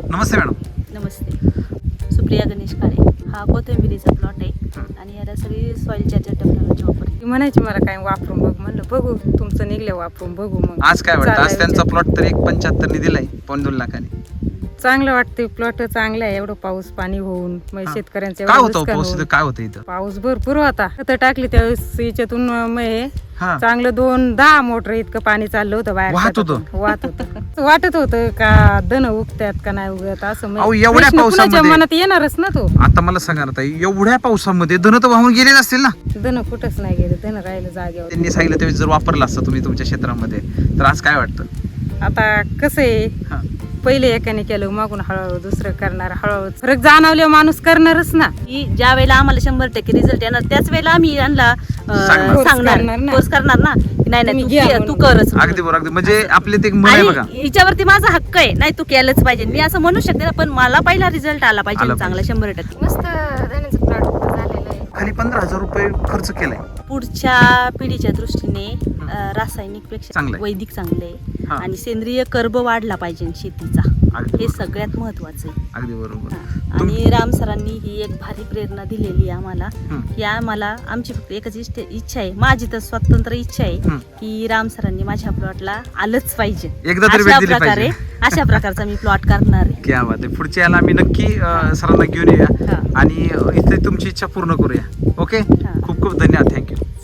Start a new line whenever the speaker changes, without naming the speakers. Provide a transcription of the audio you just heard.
नमस्ते madam.
नमस्ते. सुप्रिया गणेश काळे. हा कोथिंबिरीचा प्लॉट आहे आणि याला सगळी सॉइल चार्जर टेक्नॉलॉजी वापरते.
ती म्हणायची मला काय वापरून बघ, म्हणलं बघू तुमचं निघलं वापरून बघू. मग
आज काय वाटतं? आज
चालायचं.
त्यांचा प्लॉट तर 1.75 ने दिलाय, 2 लाखाने.
चांगलं वाटतं, प्लॉट चांगला आहे. एवढं पाऊस पाणी होऊन मग
हा.
शेतकऱ्यांचं
काय
एवढं
होतं
नुकसान
पाऊस
होऊन.
इथं? काय होतं इथं?
पाऊस भरपूर होता. खतं टाकली त्यावेळेस याच्यातून मग हे
हा.
चांगलं 2-10 मोटर इतकं पाणी चाललं होतं बाहेर.
वाहत
शेतातून.
होतं?
वाहत होतं. वाटत होतं का धन उगतात का नाही उगत असं
अहो,
म्हणजे
एवढ्या
प्रश्न कुणाच्या
पावसामध्ये-
मनात येणारच ना तो.
आता मला सांगा ना ताई, एवढ्या पावसामध्ये धन तर वाहून गेले नसतील ना?
धन कुठंच नाही गेलं, धन राहिलं जागेवर.
त्यांनी सांगितलं त्यावेळेस जर वापरलं असतं तुम्ही तुमच्या क्षेत्रामध्ये, तर आज काय वाटतं?
आता कसं आहे,
हा.
पहिले एकाने केलं मागून हळूहळू दुसरं करणार, हळूहळू फरक जाणवले माणूस करणारच ना.
की ज्या वेळेला आम्हाला 100% रिझल्ट येणार त्याच वेळेला आम्ही यांना
सांगणार.
सांगणार
करणार ना.
कोर्स करणार ना की नाही
तुम्ही
तू
घ्या
तू
म्हणून.
करच
अगदी बरोबर, अगदी. म्हणजे आपले ते एक म्हण आहे बघा.
आणि हिच्यावरती माझा हक्क आहे, नाही तू केलंच पाहिजे. मी असं म्हणू शकते ना, पण मला पहिला रिझल्ट आला
आला
पाहिजे चांगला 100%.
मस्त धण्याचं प्लॉट झालेलं आहे.
खाली 15,000 रुपये खर्च केलाय.
पुढच्या पिढीच्या दृष्टीने रासायनिकपेक्षा
चांगलं आहे.
वैदिक चांगले आहे
हा.
आणि सेंद्रिय कर्ब वाढला पाहिजे शेतीचा.
अगदी
हे
बरोबर.
सगळ्यात महत्वाचं आहे.
अगदी बरोबर.
हा. आणि राम सरांनी ही एक भारी प्रेरणा दिलेली आहे आम्हाला
हं.
की आम्हाला आमची फक्त एकच इच्छा आहे, माझी तर स्वतंत्र इच्छा आहे
हं.
की राम सरांनी माझ्या प्लॉटला आलंच पाहिजे.
एकदा तरी भेट दिली पाहिजे.
अशा प्रकारचा मी प्लॉट करणार आहे.
क्या बात आहे. पुढच्या याला आम्ही नक्की सरांना घेऊन येऊया
हा.
आणि इथे तुमची इच्छा पूर्ण करूया. ओके,
हा.
खूप खूप धन्यवाद. थँक्यू.